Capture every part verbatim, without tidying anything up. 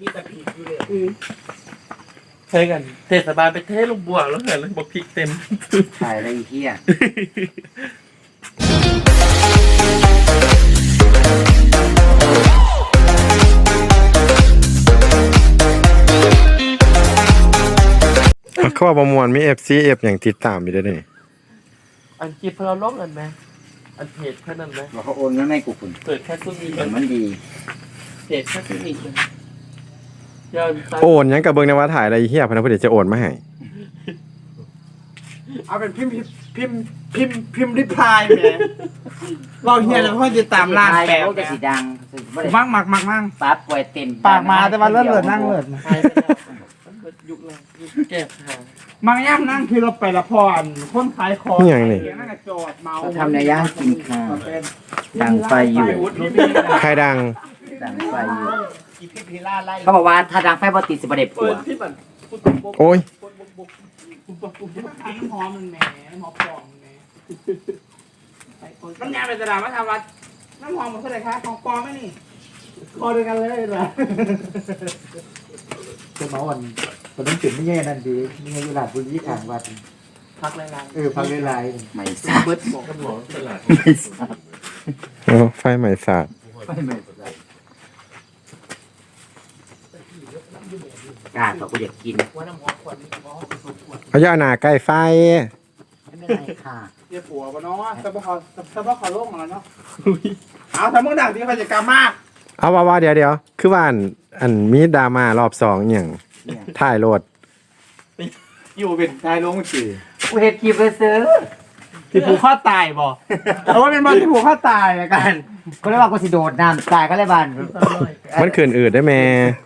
มีแต่ผิดอยู่เลยใช่กันเทศบาลไปเทลูกบัวแล้วเหรอแล้วบอกพริกเต็มถ่ายอะไรอีกที่อ่ะเขาว่าประมวลมี เอฟ ซี เอฟ อย่างติดตามอยู่ด้วยนี่อันคลิปเราลบกันไหมอันเพจแค่นั้นไหมว่าเขาโอนเงินให้กูคุณเปิดแค่ซุ้มนี้แต่มันดีเพจแค่ซุ้มนี้เลยยอดซับโอนหยังกับเบิ่งในว่าถ่ายอะไรเฮียพนักงานจะโอนมาให้เอาเป็นพิมพ์พิมพ์พิมพ์พิมพ์ริพายแหมเราเฮียแล้วพ่อจะตามร้านแปลโอ้จะสีดังมั่งมักมักมั่งปาป่วยเต็มปากมาแต่ว่าเลื่อนเลื่อนนั่งเลื่อนหายไปแล้วมันเปิดยุคแล้วยุคแก้หามังย่ำนั่งคือเราไปละพรคนขายของนี่หยังนี่นั่งกระโจดเมาเขาทำในย่างกินข้าวดังไฟอยู่ใครดังดังไฟอยู่อีพิพิล่าไล่เขาบอกว่าถ้าดังไฟบ่ติดสิบ่ได้ผัเปิวดที่มันปุ๊บปุ๊บโอ้ยปุ๊บปุ๊บปุ๊บปุ๊บปุ๊บปุ๊บน้ำหอมมันแหมน้ำหอมปลอมแหมน้ำยาเป็นตลาดมาทำวัดน้ำหอมมันเท่าไหร่คะของปลอมไหมนี่พอเดียวกันเลยเหรอจะมาวันวันนั้นจุดไม่แย่นั่นดีมีเวลาบุญยี่ขางวัดพักแรงเออพังเวลาไม่ๆทราบเบิร์ดบอกกันหมอตลาดไม่ทราบโอ้ไฟใหม่สาดไม่ไม่ทราบกาเขาก็อยากกินว่าน้ำหอมขวดนี้หอมผสมขวดเขาจะเอาหน้าใกล้ไฟไม่เป็นไรค่ะเดี๋ยวผัวปะเนาะสบายสบายขอโลกมาแล้วเนาะเอาถ้ามึงดักที่เขาจะกล้ามากเอาว่าว่าเดี๋ยวเดี๋ยวคือว่าอันอันมีดรามารอบสองอย่างถ่ายโหลดอยู่เป็นชายลงจืดกูเห็ดกีบไปซื้อที่ผูกข้อตายบ่แต่ว่าเป็นบอลที่ผูกข้อตายอะกันก็เลยว่ากูสิโดดน้ำตายก็เลยบานมันขืนอืดได้แม่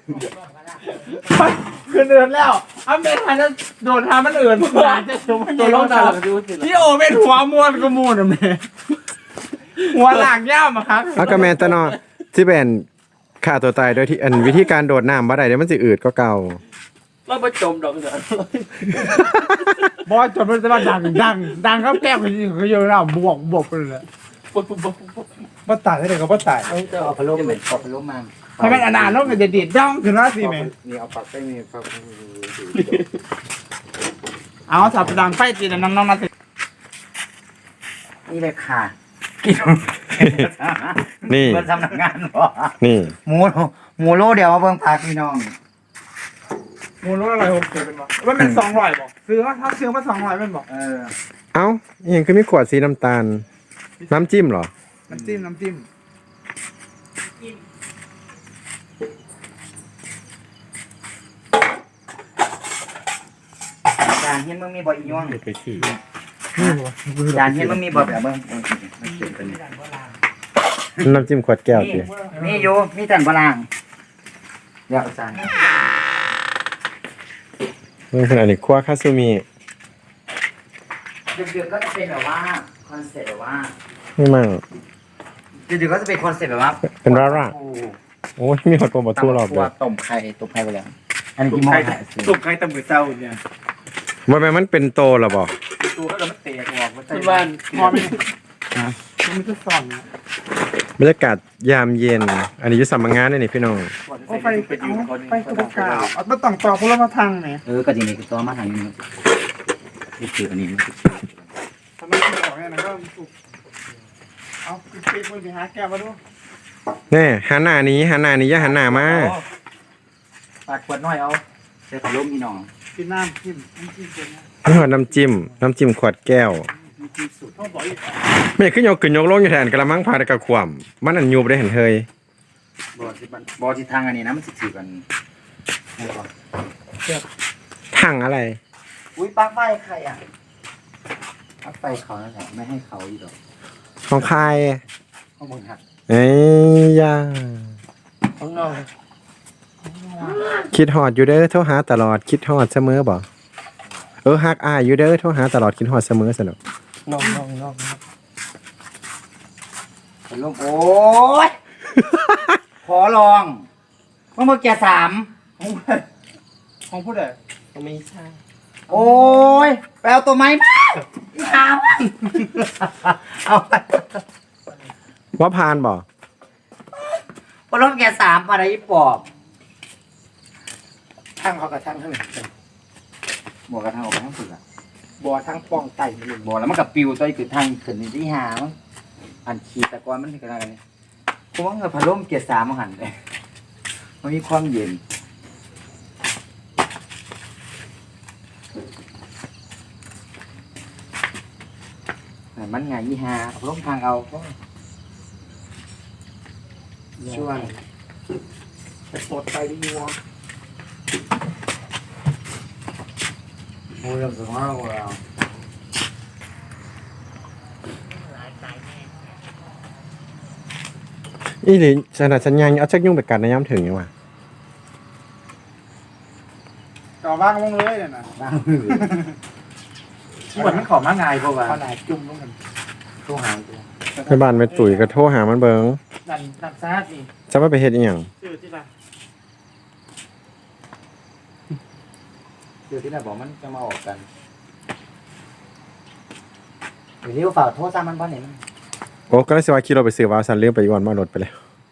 คือเดินแล้วอ้าวเมทันจะโดนทามันเอื่นผ่านจะชมตัวลงดาวดูสิพี่โอเป็นหัวมวนกระมูนอะแม่หัวหลากย่ามอะครับเอากระแมนตะนอที่เป็นฆ่าตัวตายโดยที่อันวิธีการโดดน้ำบ่ได้เดี๋ยวมันสิอืดก็เก่าเราไปจมดอกเดือดบอลจนมันจะมาดังดังดังครับแก้มจริงๆเขาเยอะแล้วบวกบวกไปเลยปุ๊บปุ๊บปุ๊บปุ๊บบ้าตายได้เลยก็บ้าตายเอาจะเอาพะโล้เหมือนเอาพะโล้มาถ้าเป็นอนาคตมันจะดีดย่องถึงแล้วสิแม่นี่เอาปากไปนี่ครับเอาสับดังไฟจีนน้องๆมาสินี่เลยค่ะกินนี่มันทำนักงานบ่นี่หมูหมูโลเดียวมาเบิ่งพักพี่น้องมูลอะไรหกสิบเป็นบ่ว่าเป็นสองร้อยบ่ซื้อมาถ้าซื้อมาสองร้อยเป็นบ่เออเอ้าอหยังคือมีขวดสีน้ำตาล น้ำจิ้มเหรอน้ำจิ้มน้ำจิ้มจานเห็นมึงมีบ่อีย่วงไปขี่จานเห็นมึงมีบ่แบบเบิ่งเออน้ำจิ้มขวดแก้วนี่สิมีอยู่มีแต่บ่ล่างเดี๋ยวเอาจานเมื่อขนาดนี้ครัวคาซูมิดึกๆก็จะเป็นแบบว่าคอนเซ็ปต์แบบว่าไม่มั่งดึกๆก็จะเป็นคอนเซ็ปต์แบบว่าเป็นร่าร่าโอ้ยมีหอดโปรโมทั่วรอบตัเลวย ต้มไข่ต้มไข่ไปแล้ว อันนี้กี่โมงฮะตุกไก่ตำมือเจ้าเนี่ยว่าแม่นมันเป็นโตหรอบอกตัวก็จะไม่เตะออกคุณบ้านพอไม่มันจะส่องบรรยากาศยามเย็น อันนี้อยุสัมมงานนี่นี่พี่น้องโอ้ไปไปเอาไปตุกกาวเอาไปต่องต่อคนละมาทางไหนเออก็จริงๆคือตัวมาทางนี้นี่คืออันนี้ทำไมถึงออกเนี่ยนะก็ตุกเอาปิ๊กๆมึงไปหาแก้วมาดูแน่หันหน้านี้หันหน้านี้อย่าหันหน้ามาปากขวดน้อยเอาใส่ขลุ่มพี่น้องกินน้ำจิ้มน้ำจิ้มเป็นไงนี่หอดน้ำจิ้ม น้ำจิ้มขวดแก้วเขาบอกอีกไม่ขึ้นยกขึ้นยกลงอยู่แทนกระมังพาดกับขวามมันอันยูบได้เห็นเฮยบอที่บอที่ทางอันนี้นะมันสิถือกันนี่ก่อนทั้งอะไรอุ้ยปลั๊กไฟใครอ่ะปลั๊กไฟเขานั่นแหละไม่ให้เขาอีกหรอกของใครข้อมูลหักเอ้ยยาข้างนอกคิดฮอดอยู่เด้อโทรหาตลอดคิดฮอดเสมอบ่เออฮักอายอยู่เด้อโทรหาตลอดคิดฮอดเสมอสนุกนอกนอกนอกเป็นลมโอ้ย ขอลองเมื่อเมื่อกี้สามของผู้ใดก็ไม่ใช่โอ้ยไปเอาตัวไม้มาสามเอาไปว่าพานบ่พอลมแกสามอะไรปอบทั้งเขากับทั้งทั้งนี้บ่กระทั่งออกไปทั้งฝุ่นอ่ะบ่ทั้งป้องไตมันเลยบ่แล้วมันกับปิวตัวคือทางขึ้นที่หามั้งอันขีดตะกอนมันคืออะไรนี่กูว่าเงาพัดลมเกียร์สามมันหันเลยมันมีความเย็นมันไงยี่ห้าพัดลมทางเอาช่วงแต่ปวดไตดีวะโอ้ยเราสมมติว่าเราอีหลีขนาดฉันยังเอาจักยุ่งไปกัดในย่ำถึงยังวะก็ว่างลงเลยเนี่ยนะบ้างมือเหมือนมันขอมาง่ายกว่าขนาดจุ่มลงกันตู้หางตัวไปบ้านไปตุ๋ยก็โทรหามันเบิงนั่นนั่นซาดนี่จะว่าไปเฮ็ดอีหยังชื่อที่ละเดี๋ยวที่เราบอกมันจะมาออกกันเดี๋ยวนี้ฝ่าโทษซ้ำมันบ้านไหนมันโอ้ก็เลยสิว่าขี่รถไปซื้อวาวซันเลี้ยวไปอีกวันมารถไปแล้ว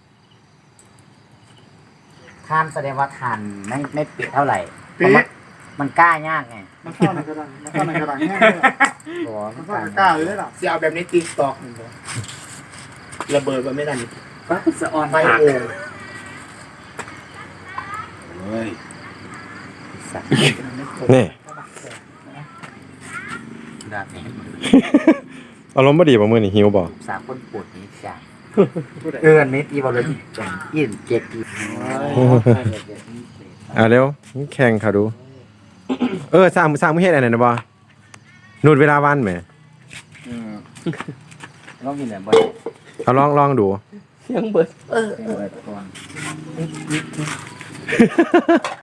ทานแสดงว่าทานไม่ไม่เปียกเท่าไหร่เพราะมันมันกล้ายากไงมันเข้าในกระดังมันเข้าในกระดังแห้งเลยบอกมันเข้ากล้าเลยล่ะเสียเอาแบบนี้ตีสตอกหนึ่งเลยระเบิดมันไม่ได้นี่ก็สะออนไฟโอ่งเฮ้ยสัตว์นี่ดาบนี้อารมณ์บ่ดีบ่มื้อนี้หิวบ่สามคนปวดนี้จ้ะเอื้อนนิดอีบอลเลยจังอินเจ็ดอีอ่ะเร็วแข่งเขาดู เออสร้างสร้างมื้อเฮ็ดอันนั้นน่ะบ่นูดเวลาวันแหมต้องกินแบบบอลเอาลองลองดูเสียงเบิดเออก่อน